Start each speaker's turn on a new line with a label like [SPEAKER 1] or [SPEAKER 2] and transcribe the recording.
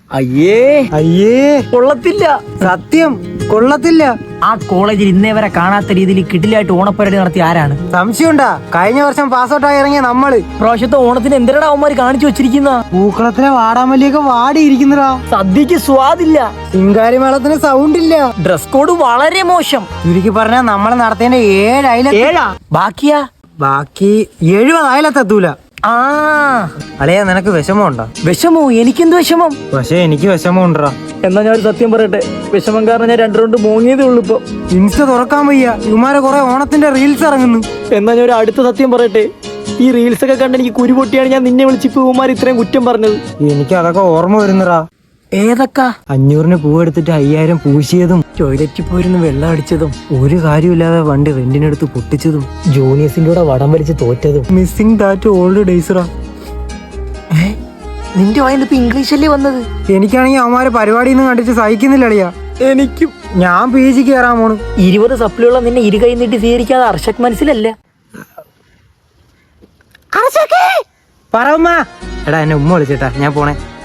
[SPEAKER 1] അയ്യേ
[SPEAKER 2] അയ്യേ
[SPEAKER 1] കൊള്ളത്തില്ല,
[SPEAKER 2] സത്യം കൊള്ളത്തില്ല.
[SPEAKER 1] ആ കോളേജിൽ ഇന്നേ വരെ കാണാത്ത രീതിയിൽ കിടിലായിട്ട് ഓണപ്പരേഡ് നടത്തിയ ആരാണ്?
[SPEAKER 2] സംശയമുണ്ടാ? കഴിഞ്ഞ വർഷം പാസ്ഔട്ടായി ഇറങ്ങിയ നമ്മള്.
[SPEAKER 1] പ്രാവശ്യത്തെ ഓണത്തിന് എന്തിനാണ് അവന്മാര് കാണിച്ചു വെച്ചിരിക്കുന്ന?
[SPEAKER 2] പൂക്കളത്തിലെ വാടാമല്ലിയൊക്കെ വാടിയിരിക്കുന്നതാ.
[SPEAKER 1] സദ്യക്ക് സ്വാദില്ല,
[SPEAKER 2] ചിങ്കാരി മേളത്തിന് സൗണ്ട് ഇല്ല,
[SPEAKER 1] ഡ്രസ് കോഡ് വളരെ മോശം.
[SPEAKER 2] ചുരുക്കി പറഞ്ഞാൽ നമ്മൾ നടത്തേണ്ട 7 അയലത്ത്.
[SPEAKER 1] ഏഴാ? ബാക്കിയാ?
[SPEAKER 2] ബാക്കി 70 അയലത്തെത്തൂല.
[SPEAKER 1] ആ
[SPEAKER 2] അളയാ, നിനക്ക് വിഷമമുണ്ടോ?
[SPEAKER 1] വിഷമോ? എനിക്കെന്ത് വിഷമം?
[SPEAKER 2] പക്ഷെ എനിക്ക് വിഷമമുണ്ടാ.
[SPEAKER 1] എന്നാ ഞാൻ ഒരു സത്യം പറയട്ടെ, വിഷമം കാരണം ഞാൻ 2 റൗണ്ട് മോങ്ങിയതേ ഉള്ളൂ ഇപ്പൊ.
[SPEAKER 2] ഇൻസ്റ്റ തുറക്കാൻ വയ്യ, ഇവന്മാരെ കുറെ ഓണത്തിന്റെ റീൽസ് ഇറങ്ങുന്നു.
[SPEAKER 1] എന്നാ ഞാൻ ഒരു അടുത്ത സത്യം പറയട്ടെ, ഈ റീൽസ് ഒക്കെ കണ്ട് എനിക്ക് കുരു പൊട്ടിയാണ് ഞാൻ നിന്നെ വിളിച്ചിപ്പോ ഇവന്മാർ ഇത്രയും കുറ്റം പറഞ്ഞത്.
[SPEAKER 2] എനിക്ക് അതൊക്കെ ഓർമ്മ വരുന്നടാ.
[SPEAKER 1] ഏതൊക്കെ?
[SPEAKER 2] 500 പൂവെടുത്തിട്ട് 5000 പൂശിയതും,
[SPEAKER 1] ടോയ്ലറ്റിൽ പോയിരുന്ന് വെള്ളം അടിച്ചതും,
[SPEAKER 2] ഒരു കാര്യമില്ലാതെ വണ്ടി റെന്റിനെടുത്ത് പൊട്ടിച്ചതും,
[SPEAKER 1] ജൂനിയേഴ്സിന്റെ കൂടെ വടം വലിച്ച് തോറ്റതും.
[SPEAKER 2] മിസ്സിംഗ് ദാറ്റ് ഓൾഡ് ഡേയ്സറാ.
[SPEAKER 1] നിന്റെ വായിന്ന് ഇപ്പൊ ഇംഗ്ലീഷല്ലേ വന്നത്?
[SPEAKER 2] എനിക്കാണെങ്കിൽ അവന്മാരെ പരിപാടിയൊന്നും കണ്ടിട്ട് സഹിക്കുന്നില്ല അളിയാ.
[SPEAKER 1] എനിക്കും.
[SPEAKER 2] ഞാൻ PG കയറാൻ പോണു.
[SPEAKER 1] 20 സപ്ലിയുള്ള നിന്നെ ഇരുകൈ നീട്ടി സ്വീകരിക്കാതെ അർഷക് മനസ്സിലല്ല.
[SPEAKER 2] പറ ഉമ്മ. എടാ, എന്നെ ഉമ്മ വിളിച്ചിട്ടാ, ഞാൻ പോണേ.